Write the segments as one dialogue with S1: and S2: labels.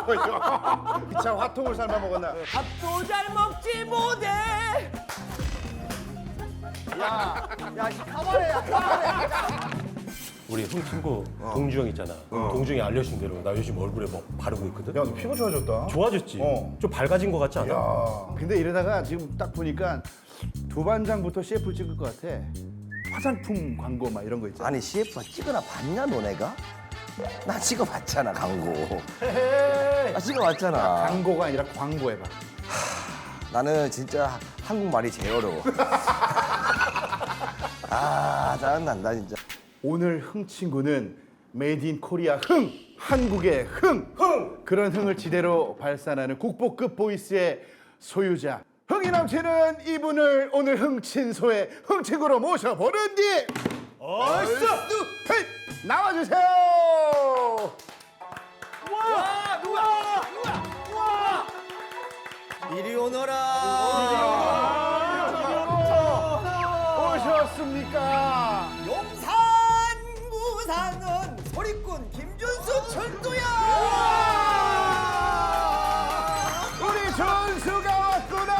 S1: 참 화통을 삶아 먹었나?
S2: 밥도 잘 먹지 못해.
S3: 우리 형 친구 동주 형 있잖아. 동주 형이 알려준 대로 나 요즘 얼굴에 뭐 바르고 있거든.
S1: 야, 너 피부 좋아졌다.
S3: 좋아졌지?
S1: 어.
S3: 좀 밝아진 것 같지 않아?
S1: 야, 근데 이러다가 지금 딱 보니까 두반장부터 CF 찍을 것 같아. 화장품 광고 막 이런 거 있잖아.
S4: 아니 CF가 찍어나 봤냐 너네가? 나 찍어봤잖아 광고. 나 찍어봤잖아.
S1: 광고가 아니라 광고 해봐.
S4: 나는 진짜 한국말이 제일 어려워. 아 짜증난다 진짜.
S1: 오늘 흥 친구는 메이드 인 코리아 흥! 한국의 흥! 그런 흥을 지대로 발산하는 국보급 보이스의 소유자 흥이 넘치는 이분을 오늘 흥친소의 흥친구로 모셔보는디 얼쑤! 나와주세요!
S2: 이리 오너라.
S1: 오셨습니까?
S2: 용산 구사는 소리꾼 김준수 철도야.
S1: 우리 전수가 왔구나!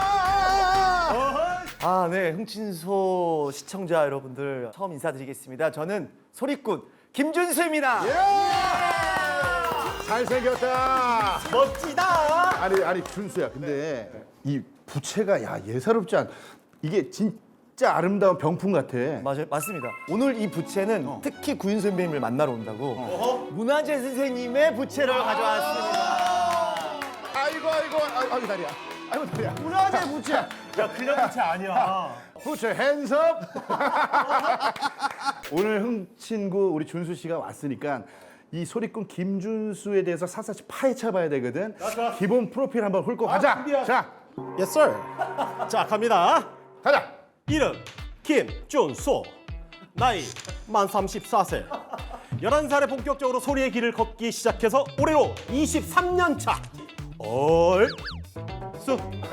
S2: 아, 네. 흥친소 시청자 여러분들 처음 인사드리겠습니다. 저는 소리꾼 김준수입니다.
S1: 잘생겼다!
S2: 멋지다.
S1: 아니 준수야, 근데 이 부채가 야 예사롭지 않. 이게 진짜 아름다운 병풍 같아.
S2: 맞아요, 맞습니다. 오늘 이 부채는 특히 구윤 선배님을 만나러 온다고 문화재 선생님의 부채를 가져왔습니다.
S1: 아이고 다리야. 아이고 다리야.
S2: 문화재 부채.
S3: 야 그냥 부채 아니야.
S1: 부채 핸섭. 오늘 흥친구 우리 준수 씨가 왔으니까 이 소리꾼 김준수에 대해서 사사시 파헤쳐 봐야 되거든. 기본 프로필 한번 훑고 가자. 자,
S3: Yes sir. 자 갑니다.
S1: 가자.
S3: 이름 김준수. 나이 만 34세. 11살에 본격적으로 소리의 길을 걷기 시작해서 올해로 23년 차. 얼쑤.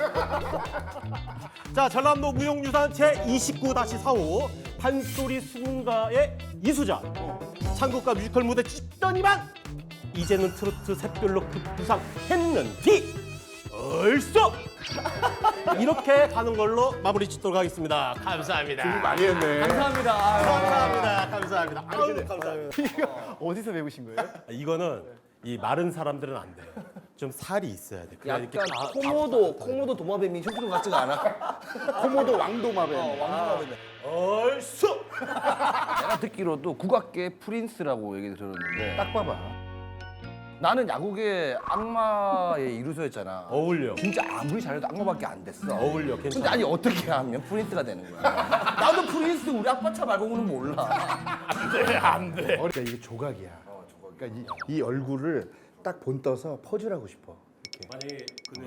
S3: 자 전남도 무용유산 제29-45 판소리 수군가의 이수자. 창국가 뮤지컬 무대 찍더니만 이제는 트로트 샛별로 급부상 했는디. 얼쑤. 이렇게 가는 걸로 마무리 짓도록 하겠습니다. 감사합니다.
S1: 많이 했네.
S2: 감사합니다.
S3: 감사합니다. 아유, 감사합니다.
S2: 이거 어디서 배우신 거예요?
S3: 이거는 이 마른 사람들은 안 돼. 좀 살이 있어야 돼. 그래야 이렇게
S4: 약간 코모도 도마뱀이 흉기름 같지가 않아?
S1: 코모도 왕도마뱀.
S3: 얼쑤.
S4: 내가 듣기로도 국악계 프린스라고 얘기 들었는데
S1: 딱 봐봐.
S4: 나는 야구계 악마의 이루소였잖아.
S3: 어울려.
S4: 진짜 아무리 잘해도 악마밖에 안 됐어.
S3: 어울려.
S4: 근데
S3: 괜찮아.
S4: 아니 어떻게 하면 프린스가 되는 거야? 나도 프린스 우리 아빠 차 말고는 몰라.
S3: 안 돼.
S1: 그러니까 이게 조각이야. 그러니까 이 얼굴을 딱 본떠서 퍼즐하고 싶어.
S3: 만약에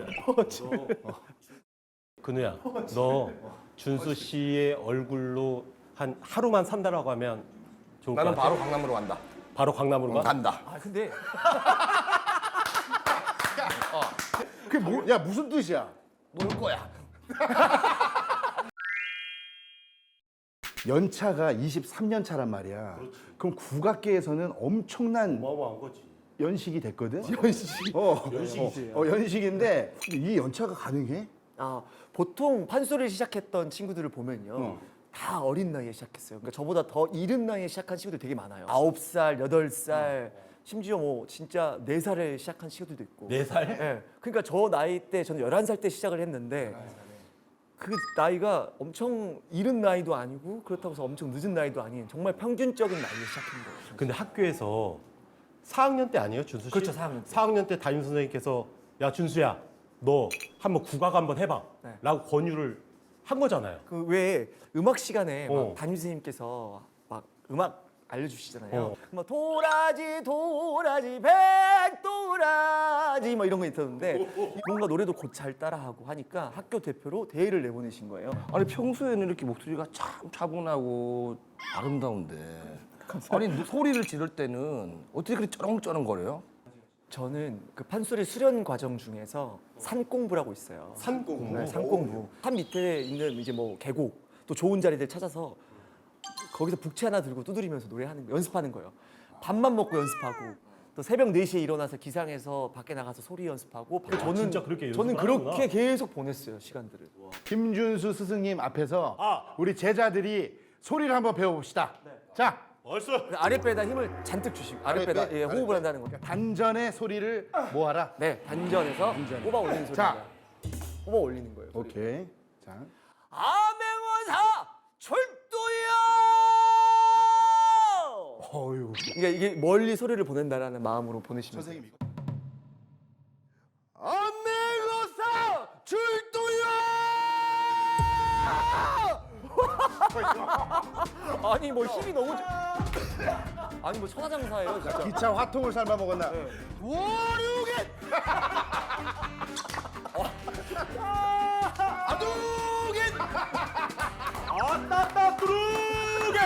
S3: 근우야, 너 준수 씨의 얼굴로 한 하루만 산다라고 하면 좋을 것
S4: 나는
S3: 같아.
S4: 바로 강남으로 간다.
S3: 바로 강남으로 가?
S4: 간다.
S2: 아, 근데
S1: 그게 뭐? 야 무슨 뜻이야?
S4: 놀 거야.
S1: 연차가 23년 차란 말이야. 그럼 국악계에서는 엄청난
S3: 어마어마한 거지.
S1: 연식이 됐거든. 연식. 연식이지. 연식인데 이 연차가 가능해?
S2: 보통 판소리를 시작했던 친구들을 보면요. 다 어린 나이에 시작했어요. 그러니까 저보다 더 이른 나이에 시작한 친구들 되게 많아요. 9살, 8살, 심지어 뭐 진짜 4살에 시작한 친구들도 있고.
S3: 4살?
S2: 네. 그러니까 저 나이 때 저는 11살 때 시작을 했는데 그 나이가 엄청 이른 나이도 아니고 그렇다고 해서 엄청 늦은 나이도 아닌 정말 평균적인 나이에 시작한 거예요.
S3: 근데 학교에서 4학년 때 아니에요, 준수 씨?
S2: 그렇죠, 4학년 때.
S3: 4학년 때 담임 선생님께서 야, 준수야, 너 한번 국악 한번 해봐.
S2: 네.
S3: 라고 권유를 한 거잖아요.
S2: 그 외에 음악 시간에 막
S3: 어.
S2: 담임 선생님께서 막 음악 알려주시잖아요.
S3: 어.
S2: 막 도라지 백도라지 뭐 이런 거 있었는데 뭔가 노래도 곧 잘 따라하고 하니까 학교 대표로 대회를 내보내신 거예요.
S4: 아니 평소에는 이렇게 목소리가 참 차분하고 아름다운데 아니 소리를 지를 때는 어떻게 그렇게 쩌렁쩌렁거려요?
S2: 저는 그 판소리 수련 과정 중에서 산공부라고 있어요.
S3: 산공.
S2: 네, 산공부. 산 밑에 있는 이제 뭐 계곡 또 좋은 자리들 찾아서 거기서 북채 하나 들고 두드리면서 노래하는 연습하는 거예요. 밥만 먹고 연습하고 또 새벽 4시에 일어나서 기상해서 밖에 나가서 소리 연습하고 저는
S3: 진짜 그렇게
S2: 저는
S3: 연습을 하는구나.
S2: 그렇게 계속 보냈어요 시간들을.
S1: 김준수 스승님 앞에서 우리 제자들이 소리를 한번 배워봅시다. 자,
S2: 아랫배에다 힘을 잔뜩 주시고 아랫배에다
S1: 아랫배,
S2: 호흡을 한다는 거.
S1: 단전의 소리를 모아라.
S2: 네, 단전에서 뽑아 올리는 소리입니다.
S1: 자.
S2: 뽑아 올리는 거예요.
S1: 오케이. 자,
S2: 암행어사 출두야!
S1: 어유.
S2: 이게 멀리 소리를 보낸다라는 마음으로 보내시면 돼요.
S1: 선생님 이거.
S2: 암행어사 출두야! 아니 뭐 힘이 너무 아니 뭐 천하장사예요 진짜.
S1: 기차 화통을 삶아 먹었나?
S2: 월요일 아두겐
S3: 아따따 뚜루게.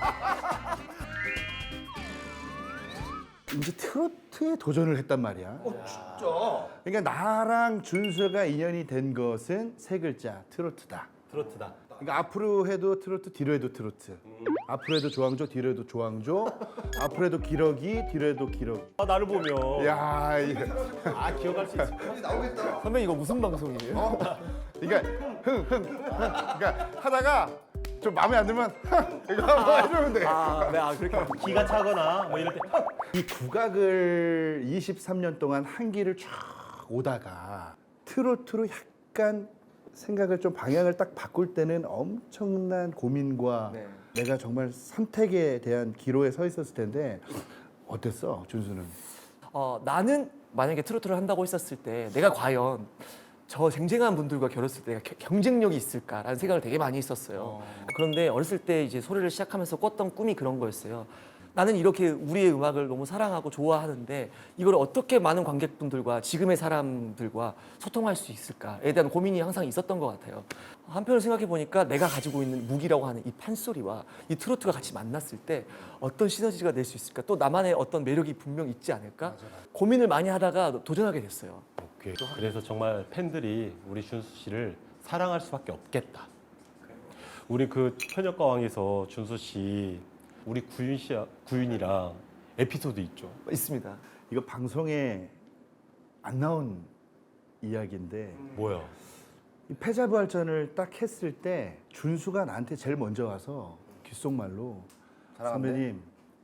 S1: 이제 트로트에 도전을 했단 말이야. 진짜. 그러니까 나랑 준수가 인연이 된 것은 세 글자 트로트다.
S3: 트로트다.
S1: 그러니까 앞으로 해도 트로트, 뒤로 해도 트로트. 앞으로 해도 조항조, 뒤로 해도 조항조. 앞으로 해도 기러기, 뒤로 해도 기러기.
S3: 아, 나를 보면.
S1: 야, 이거.
S3: 기억할 수 있어.
S2: 선배님 이거 무슨 방송이에요?
S1: 그러니까 그러니까 하다가 좀 마음에 안 들면 이거 한번 해주면 돼.
S2: 네, 그렇게.
S3: 기가 차거나 뭐 이럴 때.
S1: 이 국악을 23년 동안 한 길을 쫙 오다가 트로트로 약간 생각을 좀 방향을 딱 바꿀 때는 엄청난 고민과
S2: 네.
S1: 내가 정말 선택에 대한 기로에 서 있었을 텐데 어땠어, 준수는?
S2: 나는 만약에 트로트를 한다고 했었을 때 내가 과연 저 쟁쟁한 분들과 결했을 때 내가 경쟁력이 있을까라는 생각을 되게 많이 했었어요. 그런데 어렸을 때 이제 소리를 시작하면서 꿨던 꿈이 그런 거였어요. 나는 이렇게 우리의 음악을 너무 사랑하고 좋아하는데 이걸 어떻게 많은 관객분들과 지금의 사람들과 소통할 수 있을까에 대한 고민이 항상 있었던 것 같아요. 한편으로 생각해 보니까 내가 가지고 있는 무기라고 하는 이 판소리와 이 트로트가 같이 만났을 때 어떤 시너지가 낼 수 있을까? 또 나만의 어떤 매력이 분명 있지 않을까? 고민을 많이 하다가 도전하게 됐어요.
S3: 그래서 정말 팬들이 우리 준수 씨를 사랑할 수밖에 없겠다. 우리 그 현역가왕에서 준수 씨 우리 구윤이랑 에피소드 있죠.
S2: 있습니다.
S1: 이거 방송에 안 나온 이야기인데
S3: 뭐야?
S1: 이 패자부활전을 딱 했을 때 준수가 나한테 제일 먼저 와서 귓속말로 선배님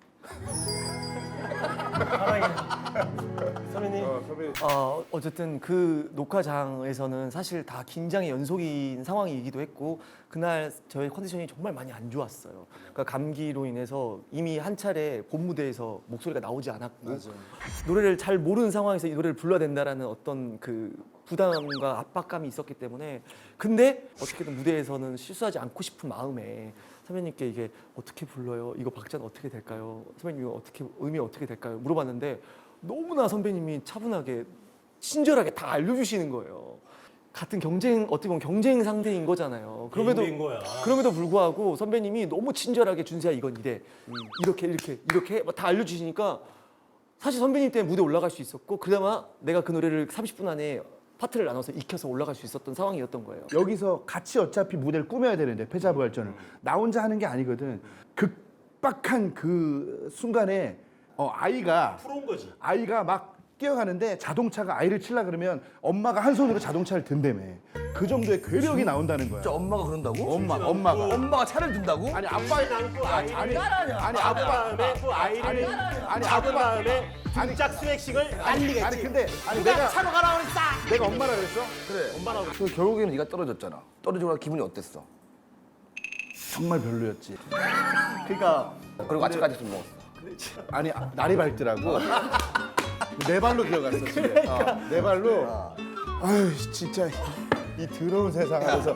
S3: 선배님.
S2: 어쨌든 그 녹화장에서는 사실 다 긴장의 연속인 상황이기도 했고 그날 저의 컨디션이 정말 많이 안 좋았어요. 그러니까 감기로 인해서 이미 한 차례 본 무대에서 목소리가 나오지 않았고 노래를 잘 모르는 상황에서 이 노래를 불러야 된다라는 어떤 그 부담과 압박감이 있었기 때문에 근데 어떻게든 무대에서는 실수하지 않고 싶은 마음에 선배님께 이게 어떻게 불러요? 이거 박자는 어떻게 될까요? 선배님 이거 어떻게 음이 어떻게 될까요? 물어봤는데 너무나 선배님이 차분하게 친절하게 다 알려주시는 거예요. 같은 어떻게 보면 경쟁 상대인 거잖아요.
S3: 게임인 거야.
S2: 그럼에도 불구하고 선배님이 너무 친절하게 준수야 이건 이래 이렇게 다 알려주시니까 사실 선배님 때문에 무대 올라갈 수 있었고 그나마 내가 그 노래를 30분 안에 파트를 나눠서 익혀서 올라갈 수 있었던 상황이었던 거예요.
S1: 여기서 같이 어차피 무대를 꾸며야 되는데 패자부활전을 나 혼자 하는 게 아니거든. 극박한 그 순간에 아이가
S3: 프로인 거지.
S1: 아이가 막 뛰어가는데 자동차가 아이를 치려 그러면 엄마가 한 손으로 자동차를 든다며. 그 정도의 괴력이 나온다는 거야.
S4: 진짜 엄마가 그런다고?
S1: 엄마가.
S4: 엄마가 차를 든다고?
S1: 아니 아빠
S3: 안고 아이를
S1: 아니
S3: 잡은
S1: 아빠
S3: 다음에 또 아이를
S1: 아니
S3: 잡은
S1: 아빠
S3: 다음에 등짝 스웩식을 날리겠지.
S1: 아니 근데 내가
S3: 차로 가라 그랬어.
S1: 내가 엄마라 그랬어?
S4: 그래.
S3: 엄마라고.
S4: 그 결국에는 네가 떨어졌잖아. 떨어지고 나서 기분이 어땠어?
S1: 정말 별로였지.
S2: 그러니까
S4: 그리고 아침까지 술 먹었어.
S1: 아니 날이 밝더라고. 네 발로 기어갔어 집에. 네 발로. 아유 진짜 이 더러운 세상 안에서.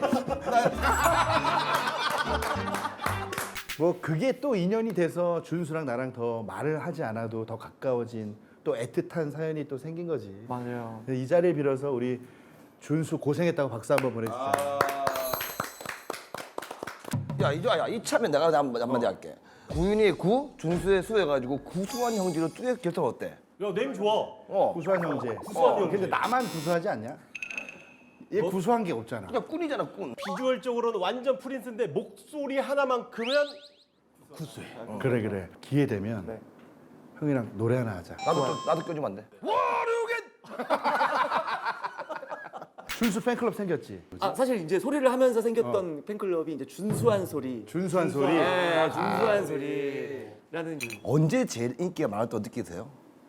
S1: 뭐 그게 또 인연이 돼서 준수랑 나랑 더 말을 하지 않아도 더 가까워진 또 애틋한 사연이 또 생긴 거지.
S2: 맞아요.
S1: 이 자리를 빌어서 우리 준수 고생했다고 박수 한번 보내주자.
S4: 야 이조야 이참에 내가 한마디 할게. 구윤이의 구, 준수의 수 해가지고 구수한 형제로 듀엣 결성 어때?
S3: 야, 네임 좋아.
S1: 구수한 형제.
S3: 구수한 형제.
S1: 근데 나만 구수하지 않냐? 얘 구수한 게 없잖아.
S4: 그냥 꾼이잖아 꾼.
S3: 비주얼적으로는 완전 프린스인데 목소리 하나만큼은 구수해.
S1: 그래. 기회 되면
S2: 네.
S1: 형이랑 노래 하나 하자.
S4: 나도 껴주면 안 돼?
S1: 준수 팬클럽 생겼지.
S2: 아 사실 이제 소리를 하면서 생겼던 팬클럽이 이제 준수한 소리.
S1: 준수한 소리.
S2: 네, 준수한 소리라는
S4: 언제 제일 인기가 많았다고 느끼세요?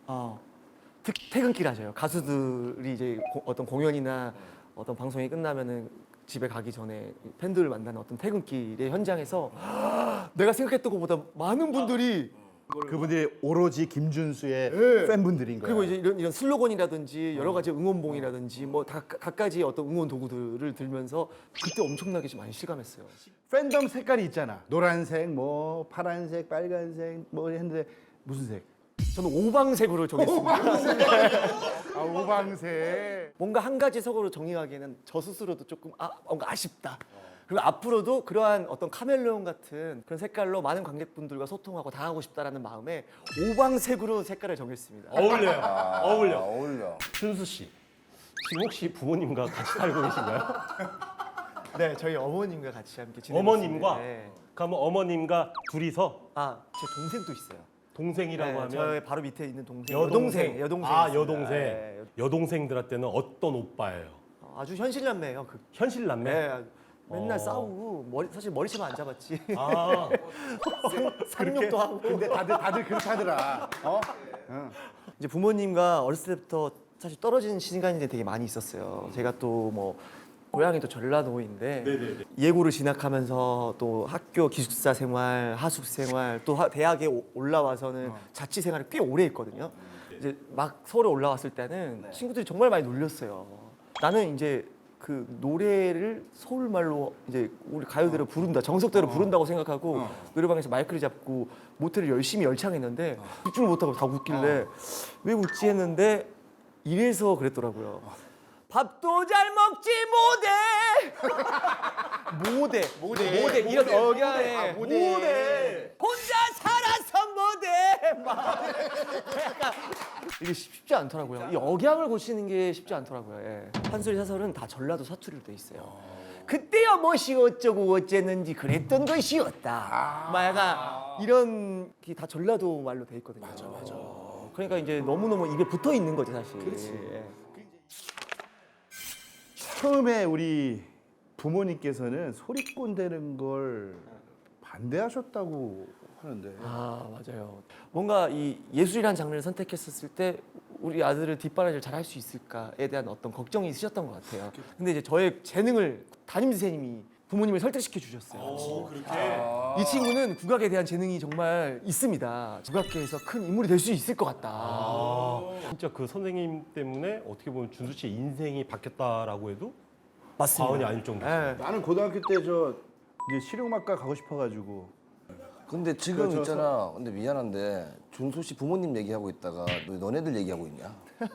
S2: 퇴근길 하셔요. 가수들이 이제 어떤 공연이나 어떤 방송이 끝나면은 집에 가기 전에 팬들을 만나는 어떤 퇴근길의 현장에서 내가 생각했던 것보다 많은 분들이
S1: 그분들이 오로지 김준수의 팬분들인 거야.
S2: 그리고 이제 이런 슬로건이라든지 여러 가지 응원봉이라든지 뭐 다 각가지 어떤 응원 도구들을 들면서 그때 엄청나게 좀 많이 실감했어요.
S1: 팬덤 색깔이 있잖아. 노란색, 뭐 파란색, 빨간색, 뭐 했는데 무슨 색?
S2: 저는 오방색으로 정했습니다.
S1: 아 오방색.
S2: 뭔가 한 가지 색으로 정의하기에는 저 스스로도 조금 뭔가 아쉽다. 그리고 앞으로도 그러한 어떤 카멜레온 같은 그런 색깔로 많은 관객분들과 소통하고 당하고 싶다라는 마음에 오방색으로 색깔을 정했습니다.
S3: 어울려요. 어울려.
S4: 어울려.
S3: 준수 씨, 지금 혹시 부모님과 같이 살고 계신가요?
S2: 네, 저희 어머님과 같이 함께 지내고
S3: 어머님과?
S2: 있습니다. 네.
S3: 그러면 어머님과 둘이서
S2: 제 동생도 있어요.
S3: 동생이라고
S2: 네,
S3: 하면
S2: 저의 바로 밑에 있는 동생.
S3: 여동생.
S2: 여동생.
S3: 아,
S2: 있습니다.
S3: 여동생.
S2: 네.
S3: 여동생들한테는 어떤 오빠예요?
S2: 아주 현실남매예요.
S3: 현실 남매?
S2: 네. 맨날
S3: 어.
S2: 싸우고 사실 머리채만 안 잡았지.
S3: 아,
S2: 상욕도 하고.
S1: 근데 다들 그렇게 하더라. 어?
S2: 이제 부모님과 어렸을 때부터 사실 떨어지는 시간이 되게 많이 있었어요. 제가 또 뭐 고향이 또 전라도인데 예고를 진학하면서 또 학교 기숙사 생활, 하숙 생활, 또 대학에 올라와서는 자취 생활을 꽤 오래 했거든요. 이제 막 서울에 올라왔을 때는 친구들이 정말 많이 놀렸어요. 나는 이제 그 노래를 서울 말로 이제 우리 가요대로 부른다, 정석대로 부른다고 생각하고 노래방에서 마이크를 잡고 모텔을 열심히 열창했는데 집중을 못하고 다 웃길래 왜 웃지 했는데 이래서 그랬더라고요. 밥도 잘 먹지 못해 이런 억양에 못해 혼자 살아서 못해 막 약간 이게 쉽지 않더라고요. 이 억양을 고치는 게 쉽지 않더라고요. 예. 판소리 사설은 다 전라도 사투리로 돼 있어요. 그때야 뭐시 어쩌고 어쨌는지 그랬던 것이었다. 막 약간 이런 게 다 전라도 말로 돼 있거든요. 맞아. 그러니까 이제 너무너무 입에 붙어 있는 거죠 사실. 예.
S1: 처음에 우리 부모님께서는 소리꾼 되는 걸 반대하셨다고 하는데.
S2: 아 맞아요. 뭔가 이 예술이라는 장르를 선택했었을 때 우리 아들을 뒷바라지를 잘 할 수 있을까에 대한 어떤 걱정이 있으셨던 것 같아요. 근데 이제 저의 재능을 담임 선생님이 부모님을 설득시켜 주셨어요. 이 친구는 국악에 대한 재능이 정말 있습니다. 국악계에서 큰 인물이 될 수 있을 것 같다.
S3: 진짜 그 선생님 때문에 어떻게 보면 준수 씨의 인생이 바뀌었다라고 해도
S2: 맞습니다.
S3: 과언이 아닐 정도.
S2: 예.
S1: 나는 고등학교 때 이제 실용음악과 가고 싶어가지고.
S4: 근데 지금
S1: 저
S4: 있잖아. 근데 미안한데 준수 씨 부모님 얘기하고 있다가 너네들 얘기하고 있냐?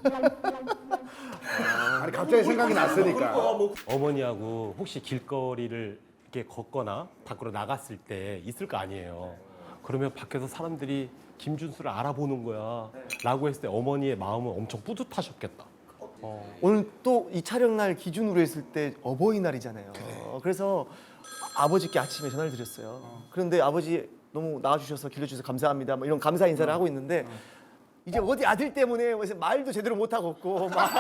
S1: 아니 갑자기 생각이 났으니까.
S3: 어머니하고 혹시 길거리를 이렇게 걷거나 밖으로 나갔을 때 있을 거 아니에요. 그러면 밖에서 사람들이 김준수를 알아보는 거야. 라고 했을 때 어머니의 마음은 엄청 뿌듯하셨겠다.
S2: 오늘 또 이 촬영날 기준으로 했을 때 어버이날이잖아요. 그래서 아버지께 아침에 전화를 드렸어요. 그런데 아버지 너무 나와주셔서 길러주셔서 감사합니다. 뭐 이런 감사 인사를 하고 있는데 이제 어디 아들 때문에 무슨 말도 제대로 못 하겠고 막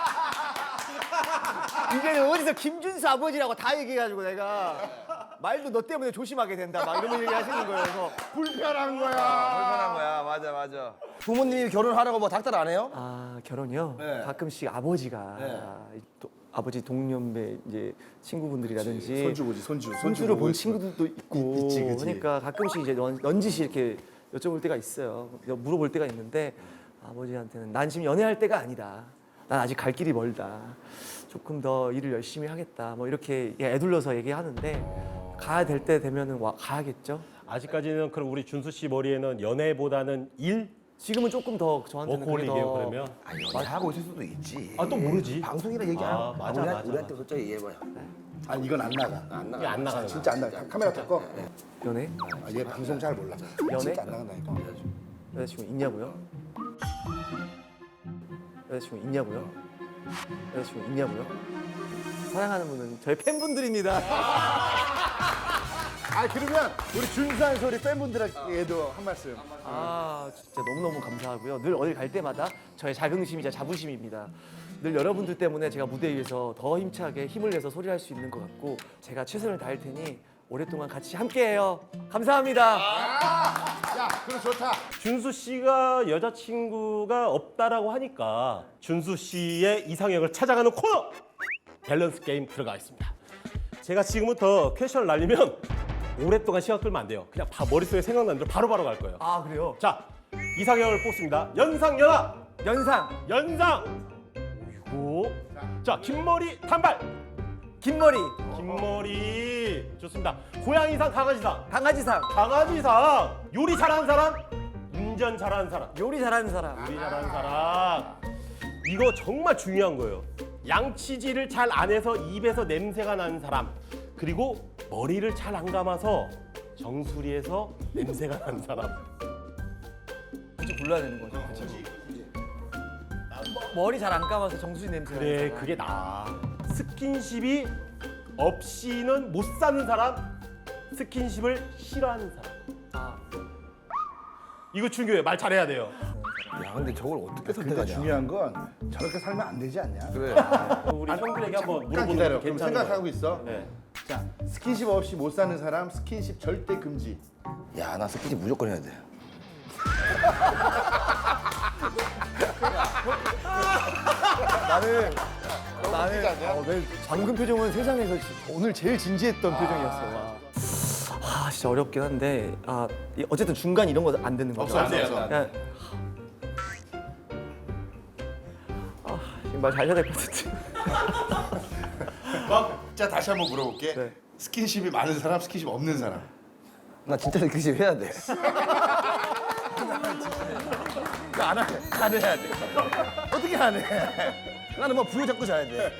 S2: 이제는 어디서 김준수 아버지라고 다 얘기해가지고 내가 말도 너 때문에 조심하게 된다 막 이런 얘기 하시는 거예요. 그래서
S1: 불편한 거야.
S4: 불편한 거야. 맞아. 부모님이 결혼하라고 뭐 닥달 안 해요?
S2: 결혼이요?
S4: 네.
S2: 가끔씩 아버지가 아버지 동년배 이제 친구분들이라든지 손주를 본 친구들도 있고
S1: 있지.
S2: 그러니까 가끔씩 이제 넌지시 이렇게 여쭤볼 때가 있어요. 물어볼 때가 있는데 아버지한테는 난 지금 연애할 때가 아니다. 난 아직 갈 길이 멀다. 조금 더 일을 열심히 하겠다. 뭐 이렇게 애둘러서 얘기하는데 가야 될 때 되면은 가야겠죠.
S3: 아직까지는 그럼 우리 준수 씨 머리에는 연애보다는 일?
S2: 지금은 조금 더 저한테는 그게
S3: 워커홀릭이에요
S2: 더
S3: 그러면?
S4: 하고 있을 수도 있지.
S3: 아 또 모르지.
S4: 방송이라 얘기 안 하고.
S3: 맞아.
S4: 우리한테 솔직히 얘기해봐요.
S1: 아니 이건 안 나가.
S3: 이게 안 나가는
S1: 진짜 안 나가. 카메라 끄고.
S2: 연애?
S1: 얘 방송 잘 몰라.
S2: 연애?
S1: 진짜 안 나간다니까.
S2: 여자친구 있냐고요? 여자친구 있냐고요? 여자친구 있냐고요? 사랑하는 분은 저희 팬분들입니다.
S1: 아 그러면 우리 준수한 소리 팬분들에게도 한 말씀.
S2: 아 진짜 너무너무 감사하고요. 늘 어딜 갈 때마다 저의 자긍심이자 자부심입니다. 늘 여러분들 때문에 제가 무대 위에서 더 힘차게 힘을 내서 소리할 수 있는 것 같고 제가 최선을 다할 테니 오랫동안 같이 함께해요. 감사합니다.
S1: 야, 그럼 좋다.
S3: 준수 씨가 여자친구가 없다라고 하니까 준수 씨의 이상형을 찾아가는 코너 밸런스 게임 들어가겠습니다. 제가 지금부터 퀘션을 날리면 오랫동안 시간 끌면 안 돼요. 그냥 머릿속에 생각나는 대로 바로바로 갈 거예요.
S2: 아 그래요?
S3: 자, 이상형을 뽑습니다. 연상, 연하,
S2: 연상,
S3: 연상. 그리고 자, 긴 머리, 단발.
S2: 긴 머리,
S3: 긴 머리. 좋습니다. 고양이상, 강아지상.
S2: 강아지상,
S3: 강아지상. 요리 잘하는 사람, 운전 잘하는 사람.
S2: 요리 잘하는 사람.
S3: 요리 잘하는 사람. 이거 정말 중요한 거예요. 양치질을 잘 안 해서 입에서 냄새가 나는 사람. 그리고 머리를 잘 안 감아서 정수리에서 냄새가 나는 사람.
S2: 굳이 골라야 되는 거죠. 머리 잘 안 감아서 정수리 냄새가
S3: 그래,
S2: 나는 사람.
S3: 그게 나아. 스킨십이 없이는 못 사는 사람, 스킨십을 싫어하는 사람.
S2: 아,
S3: 이거 중요해. 말 잘해야 돼요.
S4: 야, 근데 저걸 어떻게
S1: 근데
S4: 선택하냐?
S1: 중요한 건 저렇게 살면 안 되지 않냐?
S4: 그래.
S3: 우리 형들에게 한번
S1: 잠깐
S3: 물어보는
S1: 기다려.
S3: 것도
S1: 그럼
S3: 괜찮은
S1: 생각하고
S3: 거예요.
S1: 있어.
S3: 네.
S1: 자, 스킨십 없이 못 사는 사람 스킨십 절대 금지.
S4: 야, 나 스킨십 무조건 해야 돼.
S2: 나는 방금 표정은 세상에서 오늘 제일 진지했던 표정이었어. 아 진짜 어렵긴 한데 어쨌든 중간 이런 거 안 되는 거죠.
S1: 없어, 없어, 없어.
S2: 그냥 말 잘 해야 될 것 같은데.
S1: 자, 다시 한번 물어볼게.
S2: 네.
S1: 스킨십이 많은 사람, 스킨십 없는 사람.
S4: 나 진짜 스킨십 해야 돼. 안 해. 나는 해야 돼. 어떻게 안 해? 나는 뭐 부여 잡고 자야 돼.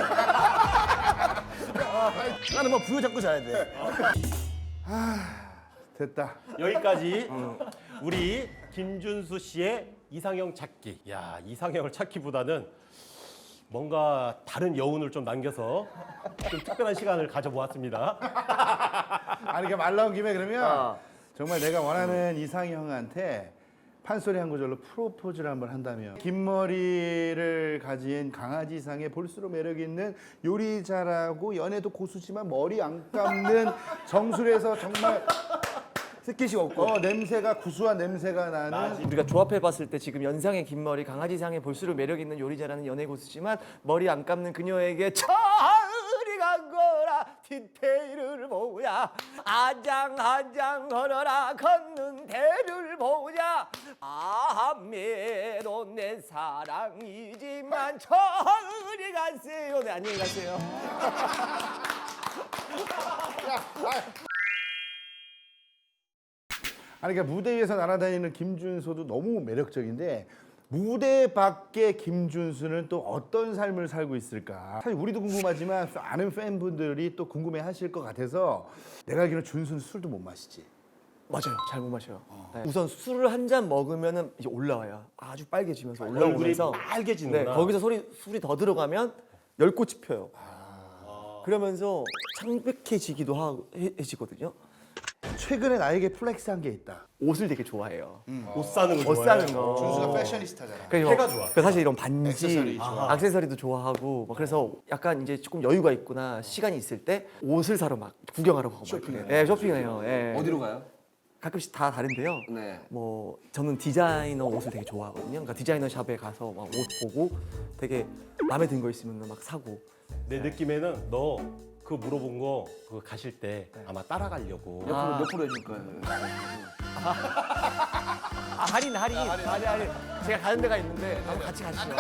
S4: 나는 뭐 부여 잡고 자야 돼.
S1: 됐다.
S3: 여기까지 우리 김준수 씨의 이상형 찾기. 야, 이상형을 찾기보다는 뭔가 다른 여운을 좀 남겨서 좀 특별한 시간을 가져보았습니다.
S1: 아니, 그러니까 말 나온 김에 그러면 정말 내가 원하는 이상형한테 판소리 한 구절로 프로포즈를 한번 한다면 긴 머리를 가진 강아지상의 볼수록 매력 있는 요리 잘하고 연애도 고수지만 머리 안 감는 정수리에서 정말 스킨십 없고 냄새가 구수한 냄새가 나는
S2: 우리가 조합해봤을 때 지금 연상의 긴 머리, 강아지상의 볼수록 매력 있는 요리 잘하는 연애 고수지만 머리 안 감는 그녀에게 저리 간 거라 디테일을 보자 아장아장 걸어라 걷는 대를 보자 아메도 내 사랑이지만 저리 가세요. 네, 안녕히 가세요.
S1: 아니 그러니까 무대 위에서 날아다니는 김준수도 너무 매력적인데 무대 밖의 김준수는 또 어떤 삶을 살고 있을까? 사실 우리도 궁금하지만 아는 팬분들이 또 궁금해하실 것 같아서 내가 알기로는 준수는 술도 못 마시지.
S2: 맞아요. 잘 못 마셔요. 네. 우선 술을 한 잔 먹으면 이제 올라와요. 아주 빨개지면서
S3: 얼굴이
S2: 올라오면서
S3: 빨개지는구나.
S2: 네, 거기서 술이 더 들어가면 열꽃이 펴요. 그러면서 창백해지기도 해지거든요.
S1: 최근에 나에게 플렉스한 게 있다.
S2: 옷을 되게 좋아해요.
S3: 옷 사는 거
S2: 옷
S3: 좋아해요.
S2: 사는 거.
S1: 준수가 패셔니스타잖아.
S2: 그래서
S3: 해가 좋아.
S2: 그래서 사실 이런 반지,
S1: 액세서리 좋아.
S2: 액세서리도 좋아하고 막 그래서 약간 이제 조금 여유가 있거나 시간이 있을 때 옷을 사러 막 구경하러 가고 쇼핑해요. 네, 쇼핑해요. 예.
S4: 어디로 가요?
S2: 가끔씩 다 다른데요.
S4: 네.
S2: 뭐 저는 디자이너 옷을 되게 좋아하거든요. 그러니까 디자이너 샵에 가서 막 옷 보고 되게 마음에 든 거 있으면 막 사고.
S3: 내 느낌에는 너 그거 물어본 거 그거 가실 때 아마 따라가려고.
S4: 몇 프로 해줄 거예요?
S2: 할인. 제가 가는 데가 있는데 한번 같이 가시죠.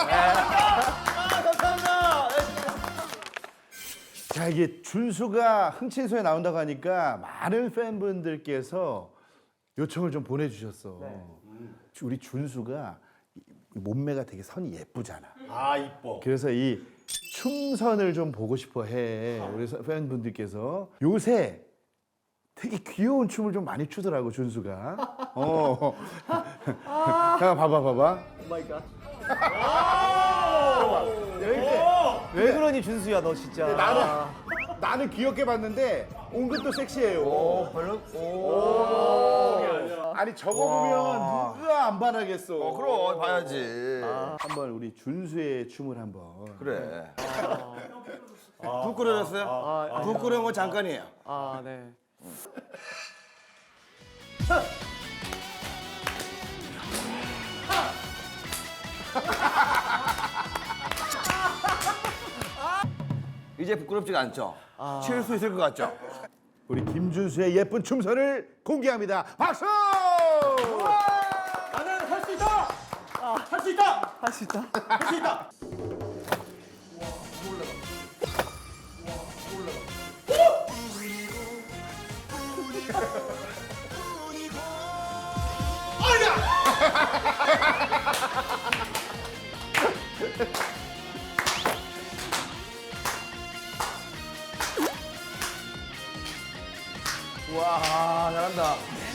S1: 자, 이게 준수가 흥친소에 나온다고 하니까 많은 팬분들께서 요청을 좀 보내주셨어. 우리 준수가 몸매가 되게 선이 예쁘잖아.
S3: 아, 이뻐.
S1: 그래서 이 춤선을 좀 보고 싶어 해. 우리 팬분들께서. 요새 되게 귀여운 춤을 좀 많이 추더라고, 준수가. 자, 봐봐.
S2: 오 마이 갓. 왜 그러니 준수야 너 진짜.
S1: 나는 나는 귀엽게 봤는데 은근 섹시해요.
S4: 별로.
S1: 아니 저거 보면 누가 안 반하겠어.
S4: 그럼 봐야지.
S1: 한번 우리 준수의 춤을 한번.
S4: 그래. 국 끓여졌어요? 국 끓여온 건 잠깐이에요.
S2: 아, 네.
S4: 이제 부끄럽지가 않죠? 칠 수 있을 것 같죠?
S1: 우리 김준수의 예쁜 춤선을 공개합니다. 박수!
S3: 나는 할 수 있다. 할 수 있다.
S2: 할 수 있다.
S3: 할 수 있다.
S4: 와, 잘한다.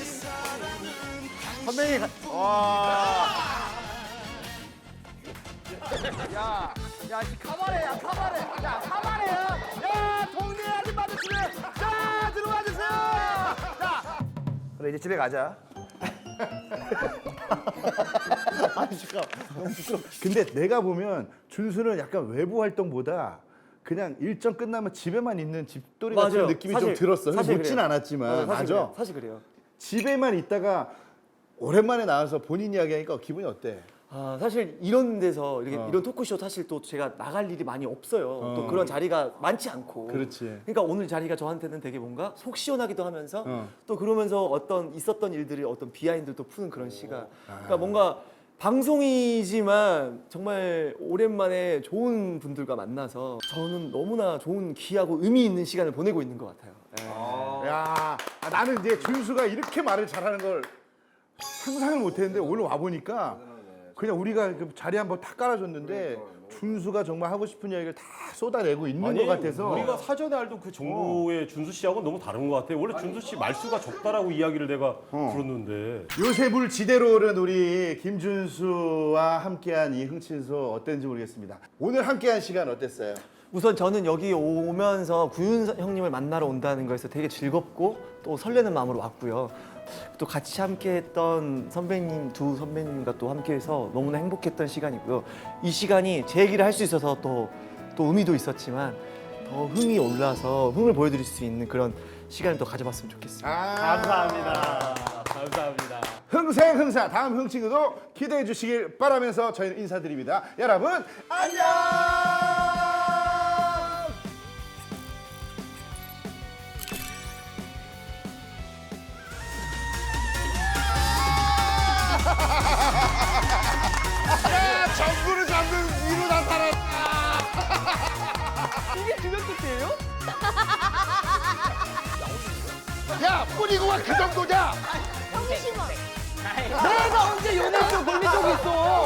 S2: 선배님,
S4: 야, 카바레야, 카바레. 야, 카바레야. 야, 동네 아줌마들 집에. 자, 들어와 주세요. 자. 그래, 이제 집에 가자.
S1: 근데 내가 보면 준수는 약간 외부 활동보다 그냥 일정 끝나면 집에만 있는 집돌이 같은
S2: 맞아요.
S1: 느낌이
S2: 사실-
S1: 좀 들었어요.
S2: 사실
S1: 묻진
S2: 그래요.
S1: 않았지만
S2: 사실
S1: 맞아.
S2: 그래요. 사실 그래요.
S1: 집에만 있다가 오랜만에 나와서 본인 이야기하니까 기분이 어때?
S2: 아, 사실 이런 데서 이런 토크쇼 사실 또 제가 나갈 일이 많이 없어요. 또 그런 자리가 많지 않고.
S1: 그렇지.
S2: 그러니까 오늘 자리가 저한테는 되게 뭔가 속 시원하기도 하면서
S1: 어.
S2: 또 그러면서 어떤 있었던 일들이 어떤 비하인드도 푸는 그런 시간. 그러니까 뭔가 방송이지만 정말 오랜만에 좋은 분들과 만나서 저는 너무나 좋은 귀하고 의미 있는 시간을 보내고 있는 것 같아요. 예.
S1: 야, 나는 이제 준수가 이렇게 말을 잘하는 걸 상상을 못했는데 오늘 와 보니까 그냥 우리가 그 자리 한번 탁 깔아줬는데 준수가 정말 하고 싶은 이야기를 다 쏟아내고 있는 것 같아서
S3: 우리가 사전에 알던 그 정도의 준수 씨하고는 너무 다른 것 같아요. 원래 준수 씨 말수가 적다라고 이야기를 내가 들었는데
S1: 요셉을 지대로 오른 우리 김준수와 함께한 이 흥친소 어땠는지 모르겠습니다. 오늘 함께한 시간 어땠어요?
S2: 우선 저는 여기 오면서 구윤 형님을 만나러 온다는 거에서 되게 즐겁고 또 설레는 마음으로 왔고요. 또 같이 함께했던 선배님 두 선배님과 또 함께해서 너무나 행복했던 시간이고요. 이 시간이 제 얘기를 할 수 있어서 또 의미도 있었지만 더 흥이 올라서 흥을 보여드릴 수 있는 그런 시간을 또 가져봤으면 좋겠습니다.
S3: 감사합니다. 감사합니다.
S1: 흥생흥사 다음 흥친구도 기대해 주시길 바라면서 저희는 인사드립니다. 여러분 안녕. 정부를 잡는 위로 나타났다.
S2: 이게 그것 뜻이에요?
S1: 야 뿌리고 와 그 정도냐?
S5: 형이 심어.
S2: 내가 언제 연예인으로 걸린 적이 있어?